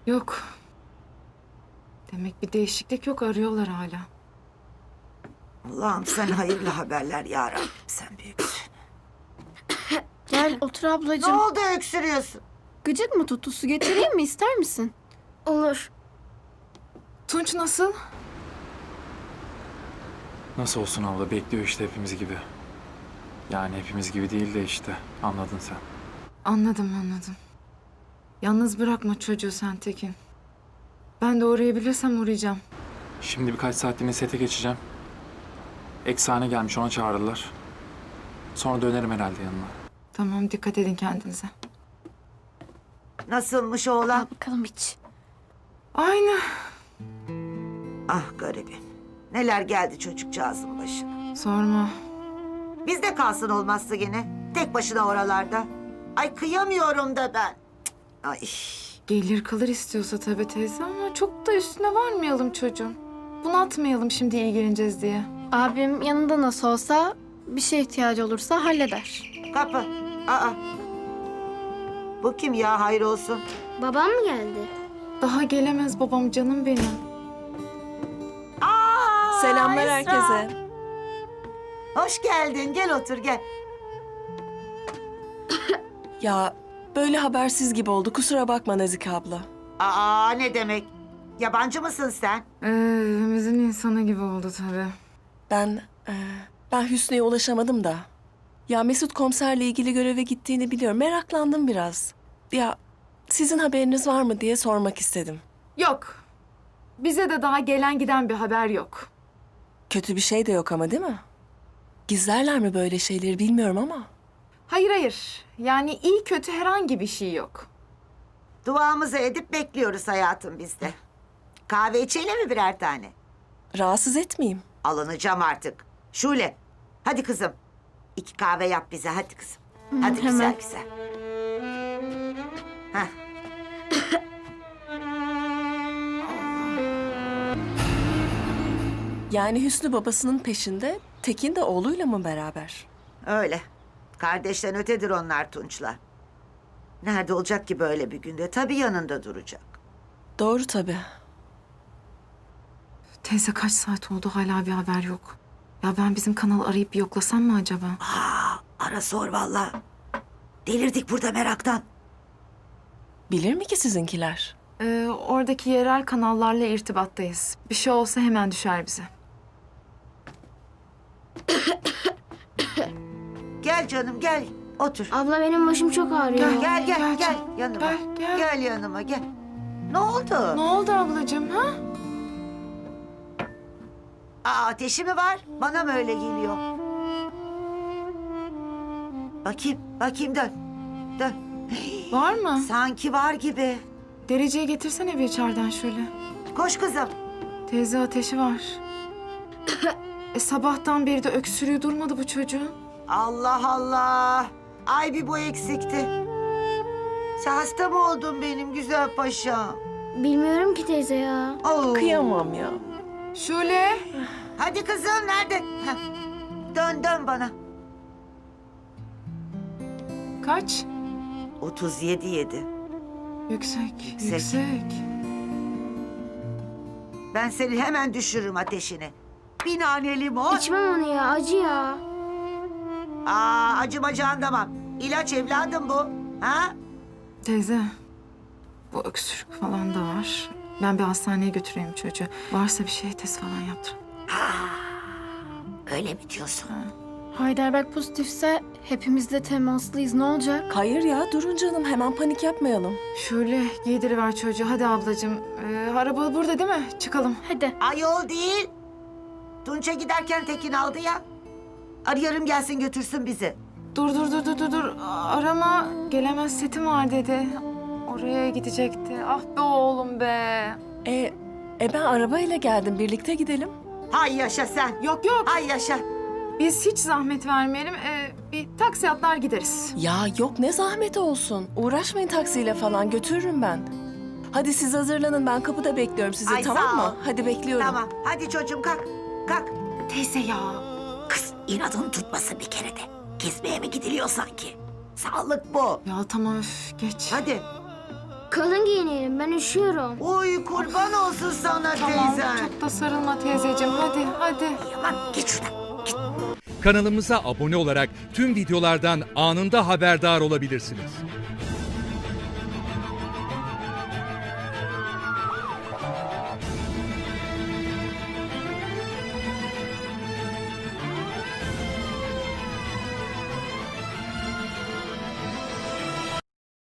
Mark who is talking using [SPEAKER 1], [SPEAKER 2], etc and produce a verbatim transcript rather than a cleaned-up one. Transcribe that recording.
[SPEAKER 1] Yok. Demek bir değişiklik yok, arıyorlar hala.
[SPEAKER 2] Allah'ım sen hayırlı haberler ya Rabbim, sen büyüksün.
[SPEAKER 3] Gel otur
[SPEAKER 2] Ne
[SPEAKER 3] ablacığım.
[SPEAKER 2] oldu öksürüyorsun?
[SPEAKER 3] Gıcık mı tuttu? Su getireyim mi? İster misin? Olur.
[SPEAKER 1] Tunç nasıl?
[SPEAKER 4] Nasıl olsun abla, bekliyor işte hepimiz gibi. Yani hepimiz gibi değil de işte, anladın sen.
[SPEAKER 1] Anladım anladım. Yalnız bırakma çocuğu sen Tekin. Ben de uğrayabilirsem uğrayacağım.
[SPEAKER 4] Şimdi birkaç saatliğine sete geçeceğim. Eksane gelmiş, ona çağırırlar. Sonra dönerim herhalde yanına.
[SPEAKER 1] Tamam, dikkat edin kendinize.
[SPEAKER 2] Nasılmış
[SPEAKER 3] Al
[SPEAKER 2] oğlan?
[SPEAKER 3] bakalım iç.
[SPEAKER 1] Aynı.
[SPEAKER 2] Ah garibim. Neler geldi çocukcağızın başına.
[SPEAKER 1] Sorma.
[SPEAKER 2] Bizde kalsın olmazsa gene. Tek başına oralarda. Ay kıyamıyorum da ben. Cık, Ay.
[SPEAKER 1] Gelir kalır istiyorsa tabii teyze ama çok da üstüne varmayalım çocuğun. Bunaltmayalım şimdi ilgileneceğiz diye.
[SPEAKER 3] Abim yanında nasıl olsa bir şeye ihtiyacı olursa halleder.
[SPEAKER 2] Kapı. Aa. Bu kim ya, hayır olsun.
[SPEAKER 3] Babam mı geldi?
[SPEAKER 1] Daha gelemez babam, canım benim.
[SPEAKER 2] Aa,
[SPEAKER 5] Selamlar
[SPEAKER 2] Esra.
[SPEAKER 5] herkese.
[SPEAKER 2] Hoş geldin, gel otur gel.
[SPEAKER 5] Ya böyle habersiz gibi oldu. Kusura bakma Nazike abla.
[SPEAKER 2] Aa, ne demek? Yabancı mısın sen?
[SPEAKER 1] Ee, evimizin insanı gibi oldu tabii.
[SPEAKER 5] Ben e, ben Hüsnü'ye ulaşamadım da. Ya Mesut komiserle ilgili göreve gittiğini biliyorum. Meraklandım biraz. Ya sizin haberiniz var mı diye sormak istedim.
[SPEAKER 1] Yok. Bize de daha gelen giden bir haber yok.
[SPEAKER 5] Kötü bir şey de yok ama değil mi? Gizlerler mi böyle şeyleri bilmiyorum ama.
[SPEAKER 1] Hayır hayır. Yani iyi kötü herhangi bir şey yok.
[SPEAKER 2] Duamızı edip bekliyoruz hayatım biz de. Kahve içelim mi birer tane?
[SPEAKER 5] Rahatsız etmeyeyim.
[SPEAKER 2] Alınacağım artık. Şule, hadi kızım. İki kahve yap bize, hadi kızım. Hadi güzel
[SPEAKER 3] hemen.
[SPEAKER 2] güzel. Heh.
[SPEAKER 5] Yani Hüsnü babasının peşinde, Tekin de oğluyla mı beraber?
[SPEAKER 2] Öyle. Kardeşten ötedir onlar Tunç'la. Nerede olacak ki böyle bir günde? Tabii yanında duracak.
[SPEAKER 5] Doğru tabii.
[SPEAKER 1] Teyze kaç saat oldu hala bir haber yok. Ya ben bizim kanalı arayıp bir yoklasam mı acaba?
[SPEAKER 2] Aa, ara sor vallahi. Delirdik burada meraktan.
[SPEAKER 5] Bilir mi ki sizinkiler?
[SPEAKER 1] Ee, oradaki yerel kanallarla irtibattayız. Bir şey olsa hemen düşer bize.
[SPEAKER 2] Gel canım gel. Otur.
[SPEAKER 3] Abla benim başım çok ağrıyor.
[SPEAKER 1] Gel.
[SPEAKER 2] Gel gel
[SPEAKER 1] Gel
[SPEAKER 2] gel,
[SPEAKER 1] canım,
[SPEAKER 2] yanıma.
[SPEAKER 1] gel, gel.
[SPEAKER 2] Gel yanıma gel. Ne oldu?
[SPEAKER 1] Ne oldu ablacığım ha?
[SPEAKER 2] Aa, ateşi mi var? Bana mı öyle geliyor? Bakayım, bakayım dön. Dön.
[SPEAKER 1] Var mı?
[SPEAKER 2] Sanki var gibi.
[SPEAKER 1] Dereceyi getirsene bir içeriden şöyle.
[SPEAKER 2] Koş kızım.
[SPEAKER 1] Teyze ateşi var. e sabahtan beri de öksürüğü durmadı bu çocuğun.
[SPEAKER 2] Allah Allah. Ay bir bu eksikti. Sen hasta mı oldun benim güzel paşam?
[SPEAKER 3] Bilmiyorum ki teyze ya.
[SPEAKER 2] Oo.
[SPEAKER 5] Kıyamam ya.
[SPEAKER 1] Şule.
[SPEAKER 2] Hadi kızım nerede? Heh. Dön dön bana.
[SPEAKER 1] Kaç?
[SPEAKER 2] otuz yedi yedi.
[SPEAKER 1] Yüksek.
[SPEAKER 2] Yüksek.
[SPEAKER 1] Yüksek.
[SPEAKER 2] Ben seni hemen düşürürüm ateşini. Bir nane limon.
[SPEAKER 3] İçmem onu ya, acı ya.
[SPEAKER 2] Aa, acımacağın tamam. İlaç evladım bu. Ha?
[SPEAKER 1] Teyze. Bu öksürük falan da var. Ben bir hastaneye götüreyim çocuğu. Varsa bir şey test falan yaptır.
[SPEAKER 2] Öyle mi diyorsun?
[SPEAKER 3] Heidelberg pozitifse hepimiz de temaslıyız. Ne olacak?
[SPEAKER 5] Hayır ya durun canım hemen panik yapmayalım.
[SPEAKER 1] Şöyle giydiriver çocuğu. Hadi ablacığım. Ee, araba burada değil mi? Çıkalım.
[SPEAKER 3] Hadi.
[SPEAKER 2] Ayol değil. Tunç'a giderken Tekin aldı ya. Arıyorum gelsin götürsün bizi.
[SPEAKER 1] Dur dur dur dur dur dur. Arama gelemez setim var dedi. Oraya gidecekti. Ah be oğlum be.
[SPEAKER 5] E, e ben arabayla geldim birlikte gidelim.
[SPEAKER 2] Hay yaşa sen.
[SPEAKER 1] Yok yok.
[SPEAKER 2] Hay yaşa.
[SPEAKER 1] Biz hiç zahmet vermeyelim. Ee, bir taksi atlar gideriz.
[SPEAKER 5] Ya yok ne zahmeti olsun. Uğraşmayın taksiyle falan götürürüm ben. Hadi siz hazırlanın ben kapıda bekliyorum sizi
[SPEAKER 2] Ay,
[SPEAKER 5] tamam
[SPEAKER 2] sağ
[SPEAKER 5] mı?
[SPEAKER 2] ol.
[SPEAKER 5] Hadi bekliyorum.
[SPEAKER 2] Tamam. Hadi çocuğum kalk. Kalk.
[SPEAKER 1] Teyze ya.
[SPEAKER 2] Kız inadını tutmasın bir kere de. Kesmeye mi gidiliyor sanki? Sağlık bu.
[SPEAKER 1] Ya tamam öf geç.
[SPEAKER 2] Hadi.
[SPEAKER 6] Kalın giyinelim, ben üşüyorum.
[SPEAKER 2] Uy kurban olsun sana
[SPEAKER 1] Tamam,
[SPEAKER 2] teyzen.
[SPEAKER 1] çok da sarılma teyzeciğim. Hadi, hadi.
[SPEAKER 2] Aman git şuradan.
[SPEAKER 7] Kanalımıza abone olarak tüm videolardan anında haberdar olabilirsiniz.